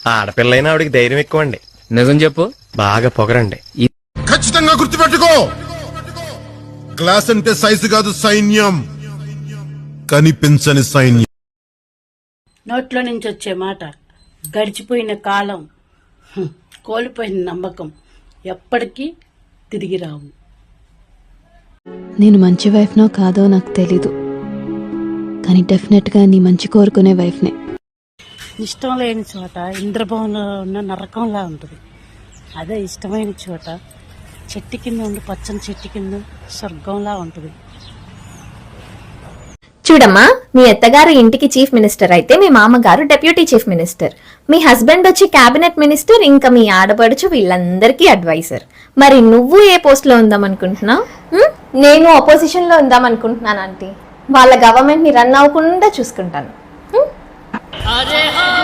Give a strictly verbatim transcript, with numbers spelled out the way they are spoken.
ఆడపిల్లైనా ఆవిడికి ధైర్యం ఎక్కువ అండి. నిజం చెప్పు. బాగా పొగరండి. ఖచ్చితంగా గుర్తుపెట్టుకో, క్లాస్ అంటే సైజు కాదు సైన్యం, కనిపించని సైన్యం. నోట్లో నుంచి వచ్చే మాట, గడిచిపోయిన కాలం, కోల్పోయిన నమ్మకం ఎప్పటికీ తిరిగి రావు. నేను మంచి వైఫ్నో కాదో నాకు తెలీదు, కానీ డెఫినెట్గా నీ మంచి కోరుకునే వైఫ్నే. ఇష్టం లేని చోట ఇంద్రభవనంలో ఉన్న నరకంలా ఉంటుంది. అదే ఇష్టమైన చోట చెట్టు కింద ఉండి పచ్చని చెట్టు కింద స్వర్గంలా ఉంటుంది. చూడమ్మా, మీ అత్తగారు ఇంటికి చీఫ్ మినిస్టర్ అయితే మీ మామగారు డెప్యూటీ చీఫ్ మినిస్టర్, మీ హస్బెండ్ వచ్చి క్యాబినెట్ మినిస్టర్, ఇంకా మీ ఆడపడుచు వీళ్ళందరికీ అడ్వైజర్. మరి నువ్వు ఏ పోస్ట్ లో ఉందాం అనుకుంటున్నావు? నేను అపోజిషన్ లో ఉందాం అనుకుంటున్నాను ఆంటీ. వాళ్ళ గవర్నమెంట్ ని రన్ అవ్వకుండా చూసుకుంటాను.